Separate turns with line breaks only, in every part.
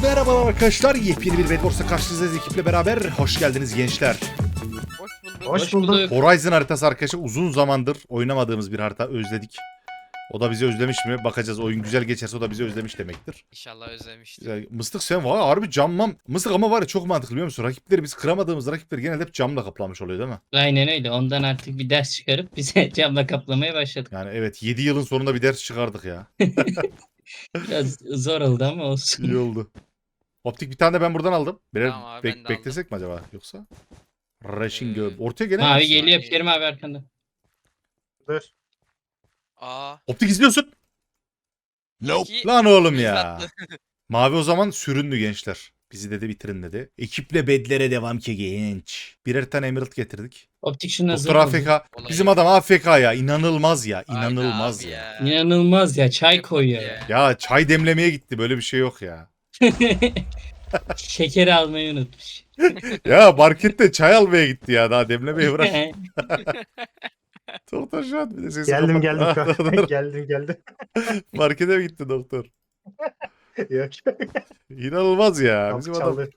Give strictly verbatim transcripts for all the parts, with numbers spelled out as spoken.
Merhaba arkadaşlar, yepyeni bir Bedwars'ta karşınızdayız ekiple beraber. Hoş geldiniz gençler.
Hoş bulduk.
Hoş bulduk.
Horizon haritası arkadaşlar, uzun zamandır oynamadığımız bir harita, özledik. O da bizi özlemiş mi? Bakacağız. Oyun güzel geçerse o da bizi özlemiş demektir.
İnşallah özlemiştir.
Ya, Mıstık sen var harbi cammam. Mıstık ama var ya, çok mantıklı biliyor musun? Rakipleri, biz kıramadığımız rakipleri genelde hep camla kaplamış oluyor değil mi?
Aynen öyle. Ondan artık bir ders çıkarıp bize camla kaplamaya başladık.
Yani evet, yedi yılın sonunda bir ders çıkardık ya.
Biraz zor oldu ama olsun.
İyi oldu. Optik bir tane de ben buradan aldım. Birer
Tamam abi,
bek-
ben de
beklesek mi acaba yoksa? Rushing
Ee,
Girl. Ortaya gene
Mavi
Abi
geliyor.
saniye.
Kerim abi arkanda.
Dur.
Aa.
Optik izliyorsun.
Nope.
Lan oğlum ya. Mavi o zaman süründü gençler. Bizi dedi bitirin dedi. Ekiple bedlere devam ki genç. Birer tane Emerald getirdik.
Optik şuna
Doktor
zor
A
oldu.
F K.
Olay
Bizim
yok.
adam A F K ya. İnanılmaz ya.
Aynen
İnanılmaz
abi
ya.
İnanılmaz ya. Çay
Çok
koyuyor.
ya.
Ya çay demlemeye gitti. Böyle bir şey yok ya.
Şekeri almayı unutmuş.
Ya markette çay almaya gitti ya. Daha demlemeye bırak. Doktor şu an bir de sesi
Geldim
kapat.
geldim.
Ah, dur.
geldim geldim.
Markete mi gitti doktor?
Yok.
İnanılmaz ya.
Kapı
Bizim adam.
çaldı.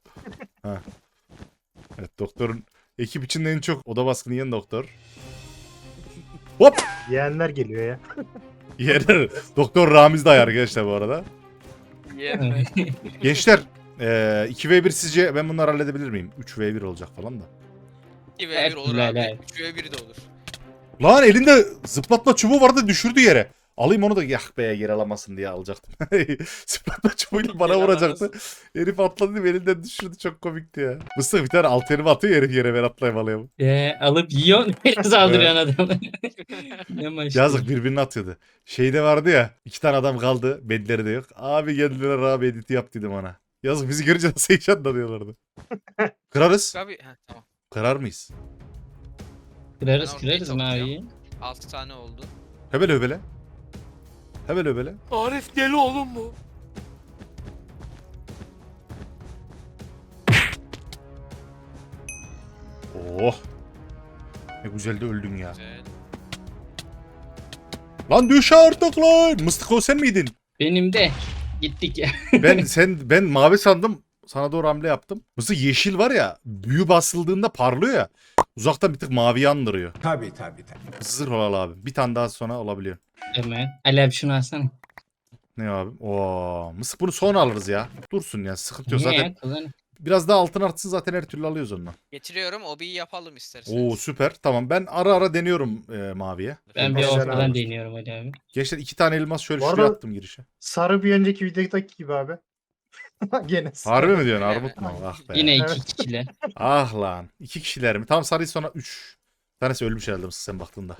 Evet, doktorun ekip içinde en çok oda baskını yiyen doktor. Hop!
Yeğenler geliyor ya.
Yener. Doktor Ramiz Day arkadaşlar bu arada.
Yetme.
Gençler, eee, iki ve bir sizce ben bunları halledebilir miyim? üç ve bir olacak falan da.
iki ve bir olur
Helal,
abi.
helal.
üç ve bir de olur.
Lan elinde zıplatma çubuğu vardı, düşürdü yere. Alayım onu da, yah be, yer alamasın diye alacaktım. Zıplatma çubuğuyla bana
Yer
vuracaktı.
alamazsın.
Herif atladı değil mi? Elinden düşürdü, çok komikti ya. Mıstık bir tane alt elimi atıyor, herif yere, ben atlayayım alayım.
Ee, alıp yiyorsun. Biraz aldırıyorsun adamı. Ne maçtı.
Yazık, birbirini atıyordu. Şeyde vardı ya, iki tane adam kaldı, bedleri de yok. Abi geldiler, abi editi yap dedim ona. Yazık, bizi görünce nasıl heyecanlanıyorlardı. Kırarız.
Abi heh, tamam.
Kırar mıyız?
Kırarız
Ben ortayı
kırarız
toplayacağım.
maviyi.
altı tane oldu.
Hebele hebele. Hebele hebele.
Arif deli oğlum bu.
Oh. Ne güzel de öldün ya.
Güzel.
Lan düş artık lan. Mıstık o sen miydin?
Benim de. Gittik ya.
Ben sen ben mavi sandım. Sana doğru hamle yaptım. Mıstık yeşil var ya, büyü basıldığında parlıyor ya. Uzaktan bir tık maviyi andırıyor.
Tabii tabii tabii.
Zırh olalı abi. Bir tane daha sonra olabiliyor.
Hemen. Ali abi şunu alsana.
Ne abi? Oo, Mıstık bunu sonra alırız ya. Dursun ya, sıkıntı yok
Niye
zaten.
ya? Kullan.
Biraz daha altın artsın, zaten her türlü alıyoruz ondan.
Getiriyorum, obiyi yapalım isterseniz.
Oo süper. Tamam, ben ara ara deniyorum e, maviye.
Ben bir
Güzel
ortadan
abi.
deniyorum Ali abi.
Gençler iki tane elmas şöyle
Bu
şuraya
arada-
attım girişe.
Sarı bir önceki videodaki gibi abi. Gene sarı.
Harbi mi diyorsun?
Öyle
Armut mu? Ah be.
Yine iki
Evet.
kişiler.
Ah lan. İki kişiler mi? Tamam, sarıyı sonra üç. Bir tanesi ölmüş herhalde Mısık, sen baktığında.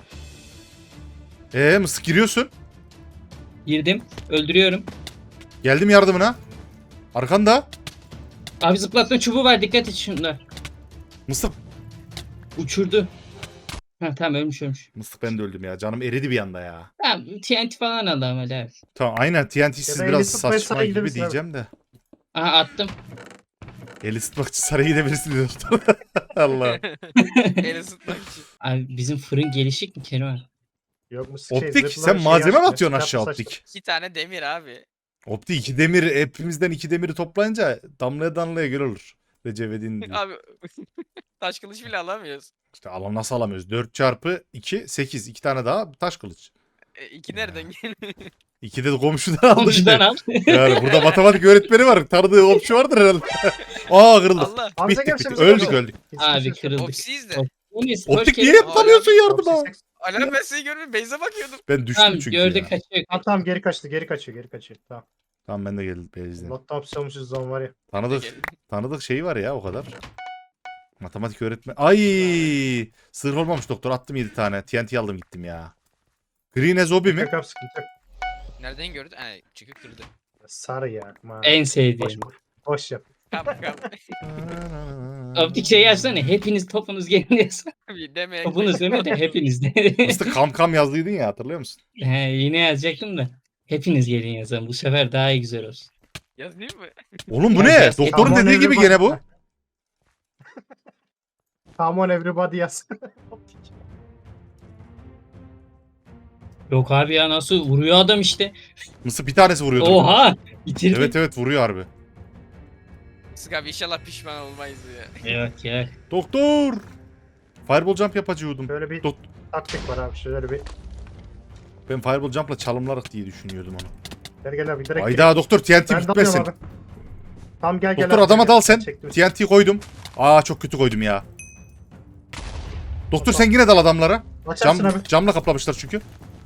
Eee Mısık, giriyorsun.
Girdim. Öldürüyorum.
Geldim yardımına. Arkanda.
Abi zıplatma çubuğu var. Dikkat et şunlar.
Mısık.
Uçurdu. Ha tamam ölmüş ölmüş.
Mısık, ben de öldüm ya. Canım eridi bir anda ya.
Tamam T N T falan aldı ama Ali abi.
Tamam aynen, T N T'siz
Ya da
biraz
eli tutmaya
saçma
sarı
gibi
gidebilirsin abi.
diyeceğim de.
Aha attım.
El ısıtmak için saraya gidebilirsin diyor. Allah.
El ısıtmak için.
Abi bizim fırın gelişik mi Kerim abi?
Yok mu? Şey,
Optik,
zırhlı
sen
şey
malzeme mi
açtı,
atıyorsun
silah
aşağı
saçtı.
Optik?
İki tane demir abi.
Optik iki demir, hepimizden iki demiri toplayınca damlaya damlaya göl olur. Recep İvedik'in diyor.
Abi taş kılıç bile alamıyoruz.
İşte alan nasıl alamıyoruz? dört çarpı iki, sekiz. iki tane daha taş kılıç.
E, iki nereden geliyor?
İki de komşudan aldık.
Komşudan al.
Yani burada matematik öğretmeni var. Tanıdığı komşu vardır herhalde. Aa, kırıldı.
Allah.
Abi
Bittik
sen
bittik.
gel,
Öldük
sen gel.
öldük.
Abi kırıldık.
Opsiyiz de.
Enes, hoş
Optik
geldin.
niye hep tanıyorsun yardıma?
Optik-
Ala ben seni görmüyorum. Beyze bakıyordum.
Ben düştüm
Tamam
çünkü
gördük
ya.
kaçıyor.
Ha, tamam geri kaçtı geri kaçıyor geri kaçıyor. Tamam.
Tamam, ben de geldim Beyaz'den.
Lotta hapsolmuşuz zaman var ya.
Tanıdık, tanıdık şey var ya, o kadar. Matematik öğretmen. Ay, sır olmamış doktor, attım yedi tane. T N T aldım gittim ya. Green as Obi mi?
Yok abi sıkıntı yok.
Nereden gördün? Ay çıkıp kırdı.
Sarı ya. Ma.
En
Boş,
sevdiğim.
boş yap.
Kap kap.
Optik şey yazsana. Hepiniz topunuz gelin yazsana.
Bir demeye
Topunuz deme de hepiniz de.
Mıstık kam kam yazdıydın ya, hatırlıyor musun?
He, yine yazacaktım da. Hepiniz gelin yazalım. Bu sefer daha iyi güzel olsun.
Yazayım mı?
Oğlum bu
Ya,
ne?
yaz-
Doktorun
Come on
dediği gibi
everybody.
gene bu.
Come on everybody yaz.
Yok abi ya nasıl vuruyor adam işte.
Mısır bir tanesi vuruyordu.
Oha! Bitirdi.
Evet evet, vuruyor harbi.
Sık abi inşallah pişman olmayız ya.
Yok yok.
Doktor. Fireball jump yapacıyordum.
Böyle bir
Dok-
taktik var abi. Şöyle bir.
Ben fireball jump'la çalımlarız diye düşünüyordum onu.
Gel gel abi direkt.
Hayda doktor T N T
Ben dalıyorum
bitmesin.
abi. Tamam gel gel.
Doktor
abi,
adama
gel.
dal sen.
Çektim.
T N T koydum. Aa çok kötü koydum ya. Doktor
Tamam.
sen yine dal adamlara.
Açarsın
Cam,
abi.
camla kaplamışlar çünkü.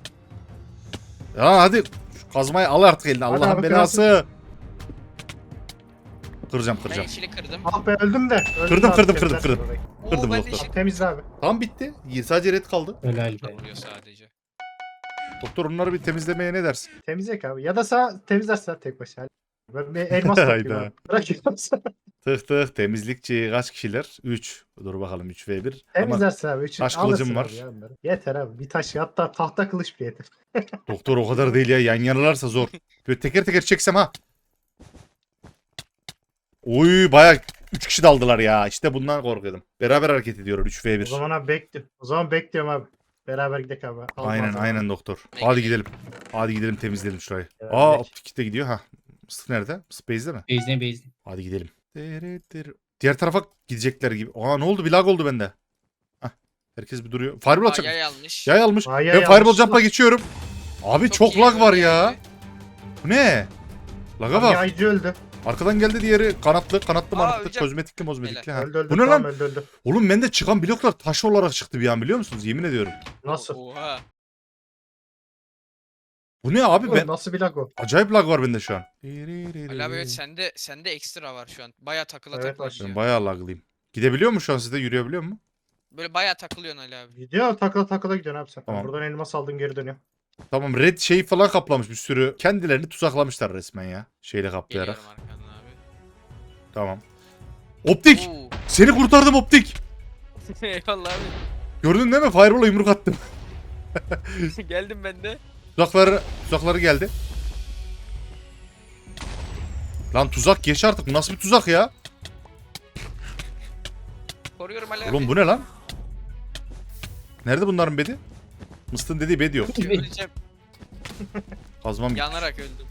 Ya hadi şu kazmayı al artık eline.
Hadi
Allah'ın
abi,
belası. Kıracağım
Ben
kıracağım.
yeşili kırdım.
Ah be öldüm de. Öldüm
Kırdım,
abi,
kırdım,
temizlersin
kırdım,
orayı.
Oo,
Kırdım
ben de
doktor.
yeşil
Temizle abi.
Tam bitti. Sadece red kaldı.
Helal be.
vuruyor sadece.
Doktor onları bir temizlemeye ne dersin?
Temizlek abi. Ya da sen temizlersen tek başına. Ben bir elmas
Hayda.
toplayayım abi. Bırak elması.
Tık tık temizlikçi kaç kişiler? üç. Dur bakalım üç ve bir. Ama
Temizlersin abi. Üçün
taş
alırsın
kılıcım var.
abi ya onları. Yeter abi. Bir taş hatta tahta kılıç bile yeter.
doktor o kadar değil ya. Yan yanalarsa zor. Böyle teker teker çeksem ha. Oy bayağı üç kişi daldılar ya. İşte bundan korkuyordum. Beraber hareket ediyorlar üç ve
O
bir.
zaman abi bekliyorum. O zaman bekliyorum abi. Beraber gidelim abi. Al
Aynen
malzeme.
aynen doktor.
Ben
Hadi
gidelim.
gidelim. Hadi gidelim temizleyelim şurayı.
Evet,
Aa
peki.
optik de gidiyor ha. Mıstık nerede? Mıstık base'de mi?
Bezne bezne.
Hadi gidelim. Diğer tarafa gidecekler gibi. Aa ne oldu? Bir lag oldu bende. Hah. Herkes bir duruyor. Fireball
Aa,
atacak.
yay almış.
Yay almış.
Aa, yay
Ben Fireball
almış.
jump'la geçiyorum. Abi çok,
iyi
lag var
öldü
ya.
yani.
Bu ne? Laga
Abi
bak.
yaycı öldü.
Arkadan geldi diğeri kanatlı, kanatlı
Aa,
manatlı,
ölecek.
kozmetikli, mozmetikli. Ha.
Öldü öldü.
Bu ne
tamam,
lan?
öldü öldü.
Oğlum bende çıkan bloklar taş olarak çıktı bir an biliyor musunuz? Yemin ediyorum.
Nasıl?
Oha.
Bu ne abi
Oğlum,
ben?
Nasıl bir lag o?
Acayip lag var bende şu an.
Ali abi evet sende sende ekstra var şu an. Baya takıla
Evet,
takıla
var.
Ben
gidiyor.
bayağı laglıyım. Gidebiliyor mu şu an sizde? Yürüyebiliyor mu?
Böyle baya takılıyorsun Ali abi.
Gidiyor takıla takıla gidiyorsun abi sen.
Tamam.
Buradan elmas aldın geri dönüyor.
Tamam red şeyi falan kaplamış bir sürü. Kendilerini tuzaklamışlar resmen ya. Şeyle kaplayarak.
Geliyorum arkandan abi.
Tamam. Optik!
Oo.
Seni kurtardım optik!
Eyvallah abi.
Gördün değil mi? Fireball'a yumruk attım.
Geldim ben de.
Tuzakları, tuzakları geldi. Lan tuzak geç artık. Bu nasıl bir tuzak ya?
Koruyorum Ali abi.
Oğlum bu ne lan? Nerede bunların bedi? Mıstın dediği bedi yok.
Öleceğim.
Kazmam gitti.
Yanarak öldüm.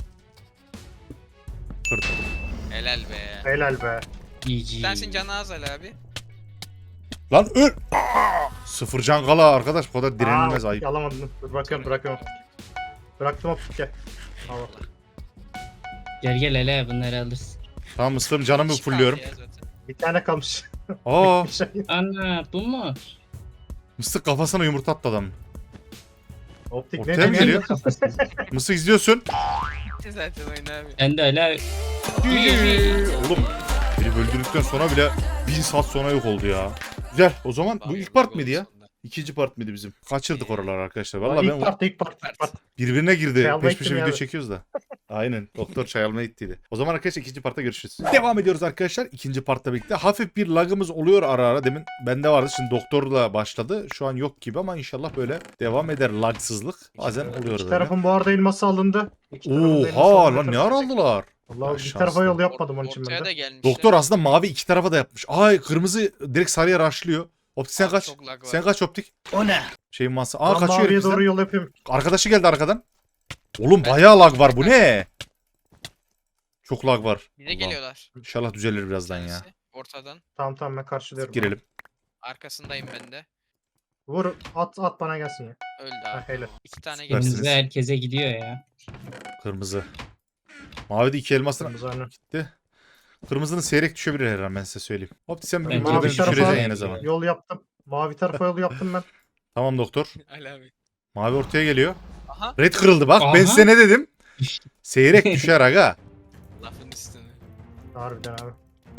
Kırdı.
Helal be.
Helal be.
G G.
Sensin canı az Ali abi.
Lan öl! Aa! Sıfır can kala arkadaş. Bu kadar direnilmez
Aa,
ayıp.
Alamadım. Dur bırakıyorum bırakıyorum. Bıraktım hop gel. Al.
Gel gel hele bunları alırsın.
Tamam mıstım canımı
Şifa
fulluyorum.
ya zaten.
Bir tane kalmış.
Aa
Bir şey.
Ana bu mu?
mıstık kafasına yumurta attı adam.
Optik
Ortaya
ne
mı
demiyor?
geliyor?
Kafasız.
Mıstık izliyorsun.
Bitti zaten oyun abi.
Ben de öyle
Oğlum beni öldürdükten sonra bile bin saat sonra yok oldu ya. Güzel. O zaman bu ilk part mıydı ya? İkinci part mıydı bizim? Kaçırdık oraları arkadaşlar. Vallahi
ilk
ben
part ilk part ilk part.
birbirine girdi.
Çay almaya
Peş peşe
gittim
video
ya.
çekiyoruz da. Aynen. Doktor çay almaya gittiydi. O zaman arkadaşlar ikinci partta görüşürüz. Devam ediyoruz arkadaşlar. İkinci partta birlikte. Hafif bir lagımız oluyor ara ara. Demin bende vardı. Şimdi doktorla başladı. Şu an yok gibi ama inşallah böyle devam eder lagsızlık. Bazen oluyor
İki
böyle.
tarafın bu arada elması alındı. İki tarafın da elması
Oha
alındı.
lan ne ara aldılar?
Vallahi bir
Şanslı.
tarafa yol yapmadım onun için
Ortaya
ben
da
de.
gelmişler.
Doktor aslında mavi iki tarafa da yapmış. Ay kırmızı direkt sarıya raşlıyor. Optik sen
Abi
kaç.
çok lag var.
Sen kaç optik.
O ne?
Şeyin masa. Aa
Ben
kaçıyor
maviye
herif
doğru
bizden.
yol yapıyorum.
Arkadaşı geldi arkadan. Oğlum
Ben-
bayağı lag var bu ne? Çok lag var.
Bize
Allah.
geliyorlar.
İnşallah düzelir birazdan ya.
Tanesi Ortadan.
Tamam tamam ben karşılıyorum.
Girelim.
Arkasındayım ben de.
Vur at at bana gelsin ya.
Öldü
Ha,
abi.
helal.
İki tane
Süpersiniz.
geldi.
Kırmızı herkese gidiyor ya.
Kırmızı. Mavi de iki elmasına
Kırmızı önü.
gitti. Kırmızının seyrek düşebilir her an ben size söyleyeyim. Hop sen
Bence
beni
Mavi
beni
tarafa
düşüreceksin yine zaman.
yol yaptım. Mavi tarafa yol yaptım ben.
Tamam doktor.
Ali abi.
Mavi ortaya geliyor.
Aha.
Red kırıldı bak ben
Aha.
size ne dedim? Seyrek düşer aga.
Lafın üstüne.
Harbiden abi.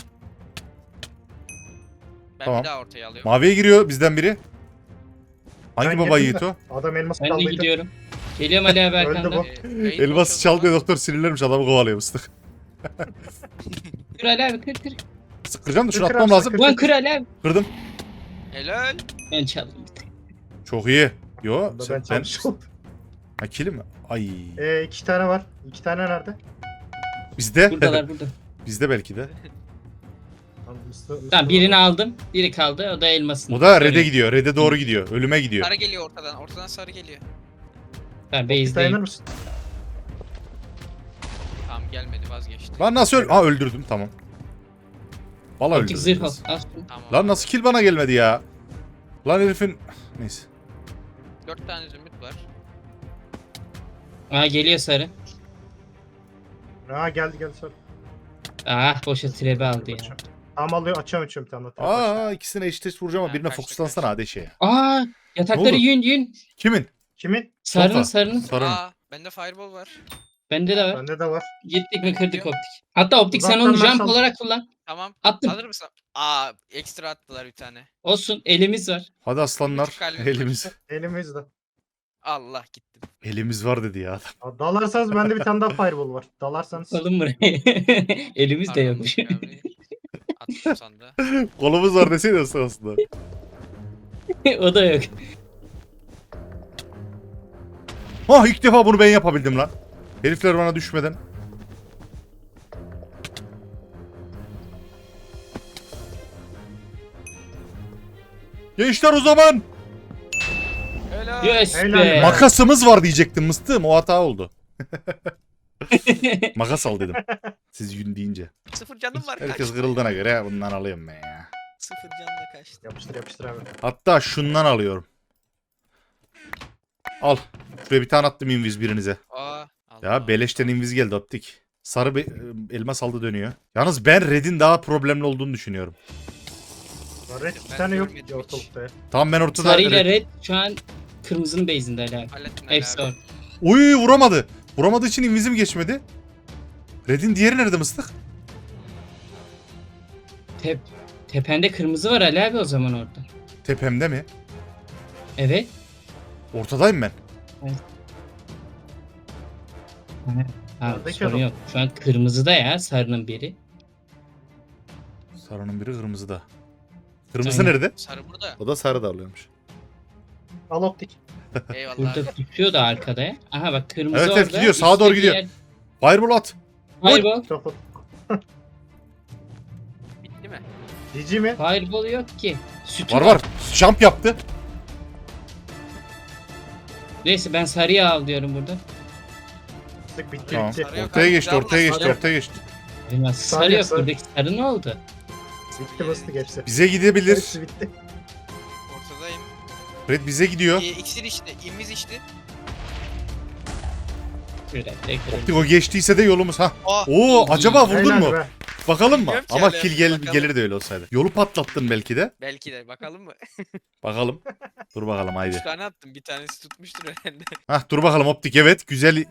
Ben
Tamam.
bir daha ortaya alıyorum.
Maviye giriyor bizden biri. Hangi
Ben
baba
girdim
yiğit
de.
o?
Adam elması
Ben de
kaldıydı.
gidiyorum. Geliyorum Ali abi
Öldü
arkandan.
bu.
Ee, Beyt
Elması
boş o
çaldı
zaman.
doktor sinirlenmiş adamı kovalıyor mıstık.
Kır Ali abi kır kır.
Sıkıracağım da şunu
Kır,
atmam
kır,
lazım.
kır.
Ulan kır Ali abi.
Kırdım.
Helal.
Ben çaldım bir tek.
Çok iyi. Yo
Bunda
sen,
ben
ben...
çalmış oldum.
Ha kili mi? Ay.
Ee, iki tane var. İki tane nerede?
Bizde.
Buradalar burada.
Bizde belki de.
Tamam, Mısır-
Tamam
Mısır-
birini aldım. Biri kaldı. O da elmasın.
O da red'e gidiyor. Red'e doğru gidiyor. Ölüme gidiyor.
Sarı geliyor ortadan. Ortadan sarı geliyor.
Ben
Bir dayanır
base'deyim.
mısın?
Tamam gelmedi vazgeçti.
Lan nasıl öl... Ha öldürdüm tamam. Valla
Optik zırh al.
öldürdünüz.
Al şunu.
Tamam.
Lan nasıl kill bana gelmedi ya? Lan herifin... Neyse.
Dört tane zümrüt var.
Aa geliyor sarı.
Ha geldi geldi sor.
Ah boşa trebe aldı ya.
Tamam alıyor açıyorum açıyorum bir tane daha. Tamam, başla.
Aa ikisine eşit eşit vuracağım ama
Ha,
birine
kaçtı,
fokuslansana
kaçtı.
hadi şeye.
Aa
Ne
yatakları
oldu?
yün yün.
Kimin?
Kimin?
Sarının
Sofa.
sarının.
Sarın.
Aa bende fireball var.
Bende de var.
Bende de var.
Gittik mi kırdık optik. Hatta optik sen
Uzaktan
onu
ben
jump
sal-
olarak kullan.
Tamam.
Attım.
Hazır mısın? Aa ekstra attılar bir tane.
Olsun elimiz var.
Hadi aslanlar.
Buçuk kalbim var.
Elimiz.
Elimizde.
Allah gittim.
Elimiz var dedi ya adam.
Aa, dalarsanız bende bir tane daha fireball var. Dalarsanız.
Alın buraya. elimiz de
Pardon,
yokmuş.
Barış abi. Attım sandığa.
Kolumuz var deseydi aslında.
O da yok.
Ha ilk defa bunu ben yapabildim lan. Herifler bana düşmeden. Gençler o zaman.
Helal.
Yes
Helal
be.
be.
Makasımız var diyecektim mıstığım. O hata oldu. Makas al dedim. Siz yün deyince.
Sıfır canım var.
Herkes
kaçtı.
kırıldığına göre bundan alıyorum ben ya.
Sıfır canla kaçtı.
Yapıştır yapıştır abi.
Hatta şundan alıyorum. Al. Şuraya bir tane attım inviz birinize.
Aa.
Ya
Allah.
beleşten inviz geldi optik. Sarı be- elmas aldı dönüyor. Yalnız ben Red'in daha problemli olduğunu düşünüyorum.
Red
Ben
bir tane yok
görmedim
ki
hiç.
ortalıkta ya.
Tamam ben ortada...
Sarı ile
Red-
red şu an kırmızının base'inde hala.
Hallettin
Hepsi
Ali
var.
abi.
Uy vuramadı. Vuramadığı için invizim geçmedi. Red'in diğeri nerede mıstık?
Tep tepende kırmızı var Ali abi o zaman orada.
Tepemde mi?
Evet.
Ortadayım ben.
Ha,
Oradaki
sorun
adam.
yok. Şu an kırmızıda ya sarının biri.
Sarının biri kırmızıda. Kırmızı
Aynen.
nerede?
Sarı burada.
O da sarı da alıyormuş.
Al optik.
Eyvallah.
Burada
abi.
tutuyor da arkada ya. Aha bak kırmızı
Evet,
orada.
evet, gidiyor, sağa doğru
üstteki
gidiyor.
yer-
Fireball at.
Fireball.
Trafo.
Bitti mi?
Cici mi?
Fireball yok ki. Sütü
Var var. Jump yaptı.
Neyse ben sarıyı al diyorum burada.
Sık bitti
Tamam.
bitti.
Sarı yok
Ortaya
abi,
geçti,
güzel
ortaya
var.
geçti,
Sarı.
ortaya geçti.
Bilmez.
Sarı
Sarı yok
sarı.
buradaki sarı ne oldu?
Bitti bastık hepsi.
Bize gidebilir.
Hepsi bitti.
Ortadayım.
Red bize gidiyor.
Ee, iksir içti. İmiz içti.
Bir dakika.
Optik o geçtiyse de yolumuz ha.
Aa.
Oo acaba vurdun
Helal
mu?
be.
Bakalım mı?
Bilmiyorum ki
Ama
hala.
kill gel
Bakalım.
gelir de öyle olsaydı. Yolu patlattın belki de.
Belki de bakalım mı?
Bakalım. Dur bakalım haydi.
Üç tane attım. Bir tanesi tutmuştur herhalde.
Hah dur bakalım optik evet güzel.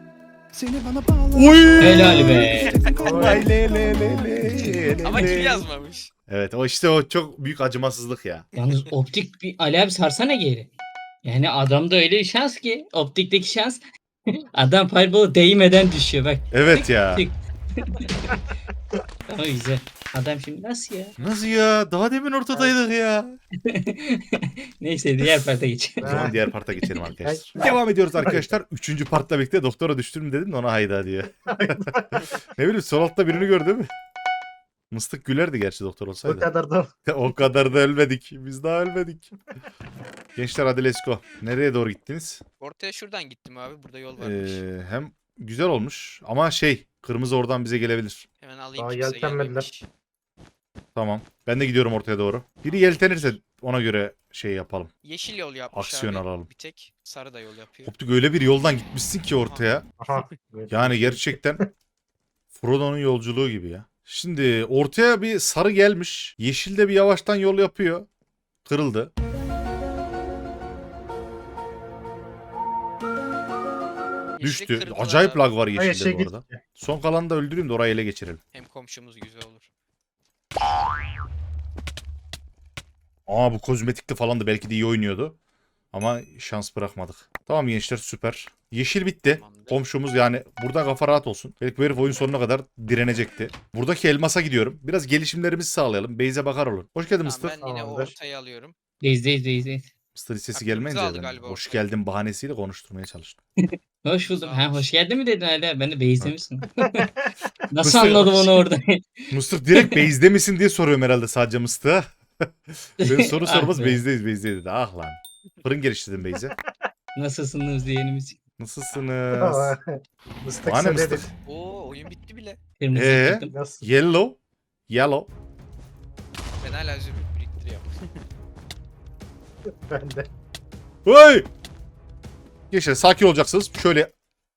Uy!
Helal be.
Ay, le, le, le, le, le,
Ama
le.
kim yazmamış?
Evet o işte o çok büyük acımasızlık ya.
Yalnız optik bir Ali abi sarsana geri. Yani adamda öyle bir şans ki. Optikteki şans. Adam fireball'a değmeden düşüyor bak.
Evet ya.
Tık. Ama güzel. Adam şimdi nasıl ya?
Nasıl ya? Daha demin ortadaydık ya.
Neyse diğer parta geçelim.
O zaman diğer parta geçelim arkadaşlar. Devam ediyoruz arkadaşlar. Üçüncü partla birlikte doktora düştüm mü dedim de ona hayda diyor. Ne bileyim sol altta birini gördüm. Mıstık gülerdi gerçi doktor
Bu
olsaydı.
kadar da.
O kadar da ölmedik. Biz daha ölmedik. Gençler hadi let's go. Nereye doğru gittiniz?
Ortaya şuradan gittim abi. Burada yol varmış.
Ee, hem güzel olmuş ama şey kırmızı oradan bize gelebilir.
Hemen alayım.
Daha
kimse
yeltenmediler.
gelmemiş.
Tamam. Ben de gidiyorum ortaya doğru. Biri yeltenirse ona göre şey yapalım.
Yeşil yol yapmış
Aksiyon
abi.
alalım.
Bir tek sarı da yol yapıyor.
Optik öyle bir yoldan gitmişsin ki ortaya.
Aha.
Yani gerçekten Frodo'nun yolculuğu gibi ya. Şimdi ortaya bir sarı gelmiş. Yeşil de bir yavaştan yol yapıyor. Kırıldı.
Yeşili
Düştü.
kırdılar
Acayip
abi.
lag var
Hayır
yeşilde
şey
bu arada.
gitti.
Son kalanı da öldüreyim de orayı ele geçirelim.
Hem komşumuz güzel olur.
Aa bu kozmetikli falan da belki de iyi oynuyordu. Ama şans bırakmadık. Tamam gençler süper. Yeşil bitti.
Tamamdır.
Komşumuz yani burada kafa rahat olsun. Belki bu herif oyun sonuna kadar direnecekti. Buradaki elmasa gidiyorum. Biraz gelişimlerimizi sağlayalım. Beyze bakar olun. Hoş geldin
Tamam,
Mısır.
ben yine o
Tamamdır.
ortayı alıyorum.
Deyiz deyiz deyiz deyiz.
Mısır sesi
Aklımızı
gelmeyince
aldı
ben
galiba
hoş
ortaya.
geldin bahanesiyle konuşturmaya çalıştım.
Hoş buldum.
Sağ
Ha
ol.
hoş geldin mi dedin Ali abi? Ben de base'de misin? Nasıl
Mısır-
anladım onu orada?
Mısır direkt base'de misin diye soruyorum herhalde sadece Mısır'a. Ben soru
Ah
sormaz
be.
base'deyiz base'deyiz dedi. Ah lan. Fırın geliştirdim base'e.
Nasılsınız diyenimiz?
Nasılsınız?
Mıstık
Bana
sen
mıstık?
dedin.
Oo oyun bitti bile.
Kırmızı
Ee?
çıktım.
Nasıl?
Yellow. Yellow.
Ben hala zümrüt biriktiriyorum.
Ben de.
Hey! Gençler sakin olacaksınız. Şöyle.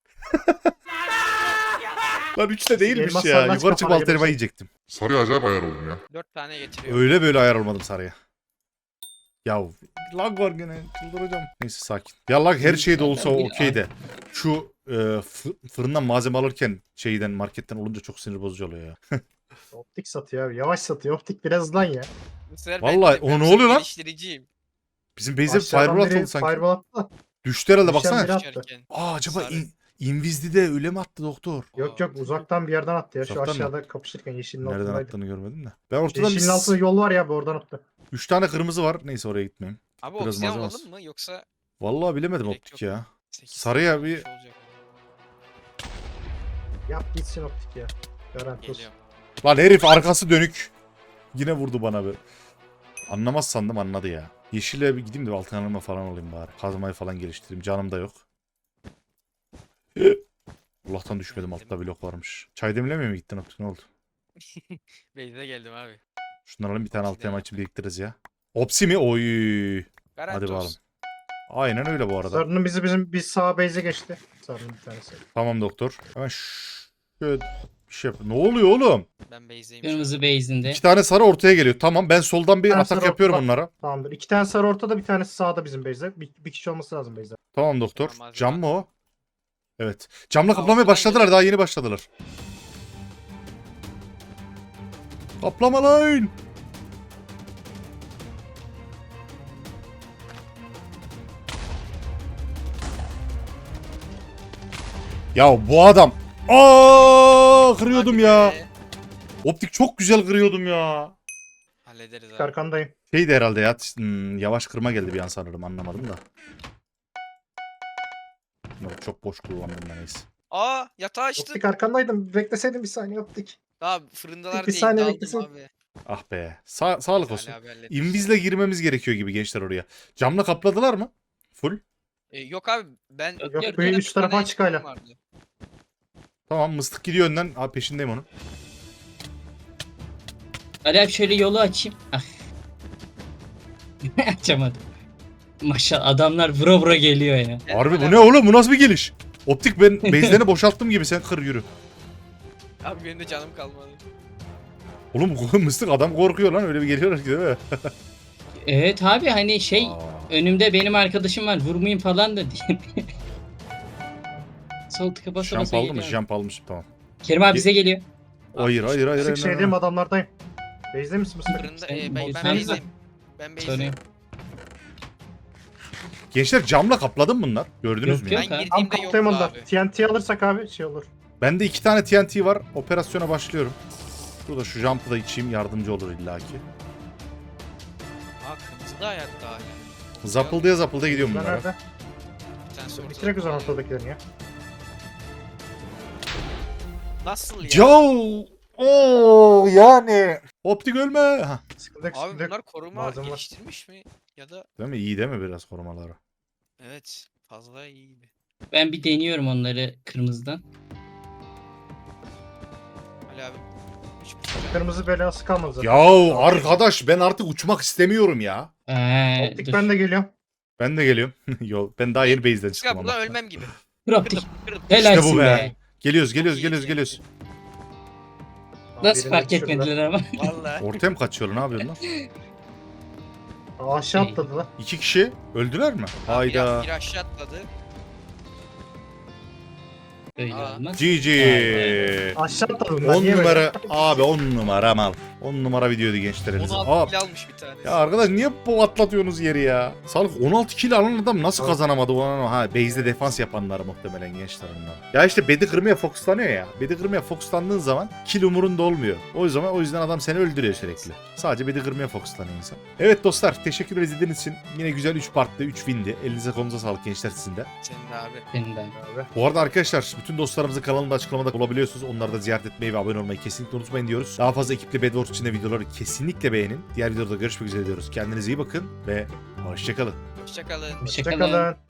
Lan üçte değilmiş
Elmas
ya.
sarmaş
Yukarı çıkıp
kafana
alt elma
gelecek.
yiyecektim.
Sarıya acayip ayar oldum ya.
Dört tane getiriyorum.
Öyle böyle ayar olmadım sarıya. Ya lag var gene. Çıldıracağım. Neyse sakin. Ya lag her şeyde olsa
Bir-
okey de. Şu e, fı- fırından malzeme alırken şeyden marketten olunca çok sinir bozucu oluyor ya.
Optik satıyor abi. Yavaş satıyor. Optik biraz hızlan ya.
Bu sefer
Vallahi,
ben,
o
ben
ne oluyor lan?
geliştiriciyim.
Bizim base'e
Aşağıdan
fireball
biri
atıldı sanki.
Fireball attı.
Düştü herhalde
Düşen
baksana.
biri attı.
Düşerken.
Aa acaba
Sarı.
in, Invisli'de öyle mi attı doktor?
Yok yok uzaktan bir yerden attı ya. Şu
Uzaktan mı?
aşağıda kapışırken yeşilin
Nereden
altındaydı.
attığını görmedim de. Ben ortadan
Yeşilin altında
bir...
yol var ya, bu oradan attı.
Üç tane kırmızı var. Neyse oraya gitmeyeyim.
Abi
Biraz
obsidian
malzeme
alalım
az.
mı yoksa
Vallahi bilemedim
Gerek
optik
yok.
ya.
sekiz
Sarıya
tane
bir-
olmuş olacak.
Yap gitsin optik ya. Garanti olsun.
Geliyorum.
Lan herif arkası dönük. Yine vurdu bana be. Anlamaz sandım anladı ya. Yeşile bir gideyim de altın alma falan olayım bari. Kazmayı falan geliştireyim. Canım da yok. Allah'tan düşmedim. Altta blok varmış. Çay demlemeye mi gittin optik, ne oldu?
Beyze geldim abi.
Şunları alalım bir tane altın
Opsiden
elma için biriktiririz ya. Opsi mi? Oy.
Garanti
Hadi bakalım.
olsun.
Aynen öyle bu arada.
Sarının bizi bizim biz sağ base'e geçti. Sarının bir tanesi.
Tamam doktor. Hemen ş- şöyle bir şey yap. Ne oluyor oğlum?
Ben Beyze'yim. şu an.
Kırmızı base'inde.
İki tane sarı ortaya geliyor. Tamam ben soldan bir
Ben
atak
sarı
yapıyorum
ortadan-
onlara.
Tamamdır. İki tane sarı ortada, bir tanesi sağda bizim base'de. Bir, bir kişi olması lazım base'de.
Tamam doktor.
Tamam, malzeme
Cam mı o? Evet. Camla
Aa,
kaplamaya
ortadan
başladılar.
geliyor.
Daha yeni başladılar. Kaplama lan. Ya bu adam. Aa kırıyordum
Hadi
ya.
be.
Optik çok güzel kırıyordum ya.
Hallederiz abi.
Arkandayım.
Şeydi herhalde ya. hmm, yavaş kırma geldi bir an sanırım. Anlamadım da. Yok, çok boş kullandım ben neyse.
Aa yatağı açtın.
Optik arkandaydım. Bekleseydin bir saniye optik.
Daha fırındalar
Bir
diye
saniye
iddia
beklesin.
aldım abi.
Ah be. Sa- sağlık olsun.
Salih abi halletmiş.
İnvizle girmemiz gerekiyor gibi gençler oraya. Camla kapladılar mı? Full.
E, yok abi ben...
Yok,
Yok
Yok,
böyle
bir
üç tarafa
tane
açık hala.
ekmeğim vardı.
Tamam mıstık gidiyor önden. Abi peşindeyim onun.
Ali abi şöyle yolu açayım. Ah. Açamadım. Maşallah adamlar vura vura geliyor ya.
Ben
Harbi bu
hala-
ne oğlum? Bu nasıl bir geliş? Optik ben base'lerini boşalttım gibi sen kır yürü.
Abi benim de canım kalmadı.
Oğlum bu mıstık adam korkuyor lan öyle bir geliyorlar ki değil mi?
Evet abi hani şey
Aa.
önümde benim arkadaşım var vurmayayım falan da diye. Sol tıka basa
Jump
basa
aldı mı?
geliyor.
Jump almışım tamam.
Kerim abi bize geliyor.
Hayır hayır hayır.
Sık
hayır,
şeydeyim,
hayır.
adamlardayım. Base'de misin mısın?
Fırında
Sen
e, ben, ben
olsan-
Beyze'yim. Ben Beyze'yim.
Sorayım.
Gençler camla kapladım bunlar. Gördünüz
Yok,
mü?
yok.
ya?
Ben
abi.
Tam
girdiğimde
kaptayım
yoktu
onda.
abi.
T N T alırsak abi şey olur.
Bende iki tane T N T var. Operasyona başlıyorum. Burada şu jump'ı da içeyim yardımcı olur illaki.
Aa kırmızı da hayatta hala.
Zapıldıya zapıldıya gidiyorum
Ben
bunlara.
nerede?
Bir tanesi ortada
Bitirek o zaman
kalıyor.
ortadakilerini ya.
Nasıl ya?
Joe! Oo yani. Optik ölme. Ha.
Sıkıntı yok,
Abi
sıkıntı yok.
bunlar koruma
Malzeme var.
geliştirmiş mi? Ya da
Değil mi? İyi değil mi biraz korumaları?
evet fazla iyi gibi.
Ben bir deniyorum onları kırmızıdan.
Ali abi. Üç buçuk.
Kırmızı belası kalmadı zaten.
Ya arkadaş ben artık uçmak istemiyorum ya.
Ee,
Optik
dur.
ben de geliyorum.
Ben de geliyorum. Yo ben daha yeni base'den
Ya
çıktım
buradan
ama.
ölmem gibi.
Dur optik.
Kırdım kırdım.
Helalsin
İşte bu
be.
be. Geliyoruz geliyoruz
iyi,
geliyoruz
iyi.
geliyoruz.
Nasıl
Birini
fark
düşürdüler.
etmediler ama.
Valla.
Ortaya mı kaçıyorlar ne yapıyorsun lan?
Aa, aşağı
Şey.
atladılar.
İki kişi öldüler mi?
Biri,
Hayda.
biri aşağı atladı.
Öyle
Aa.
olmaz.
G G.
Aşağı atladılar.
on
Niye böyle?
numara abi on numara mal. on numara videoydu gençler elinize.
on
Aa,
altı kill almış bir tanesi.
ya arkadaş niye bu atlatıyorsunuz yeri ya? Sağlık on altı kill alan adam nasıl
Evet.
kazanamadı onu? Ha base'de defans yapanlar muhtemelen gençler onlar. Ya işte bedi kırmaya fokuslanıyor ya. Bedi kırmaya fokuslandığın zaman kill umurunda olmuyor. O yüzden o yüzden adam seni öldürüyor sürekli. Sadece bedi kırmaya fokuslanıyor insan. Evet dostlar teşekkür izlediğiniz için. Yine güzel üç partlı üç windi. Elinize kolunuza sağlık gençler sizin de.
Senin de abi.
Senin de.
Abi.
Bu arada arkadaşlar bütün dostlarımızın kanalında açıklamada bulabiliyorsunuz. Onları da ziyaret etmeyi ve abone olmayı kesinlikle unutmayın diyoruz. Daha fazla ekiple Bedwars içinde videoları kesinlikle beğenin. Diğer videoda görüşmek üzere diyoruz. Kendinize iyi bakın ve hoşçakalın.
Hoşçakalın.
Hoşçakalın.
Hoşçakalın.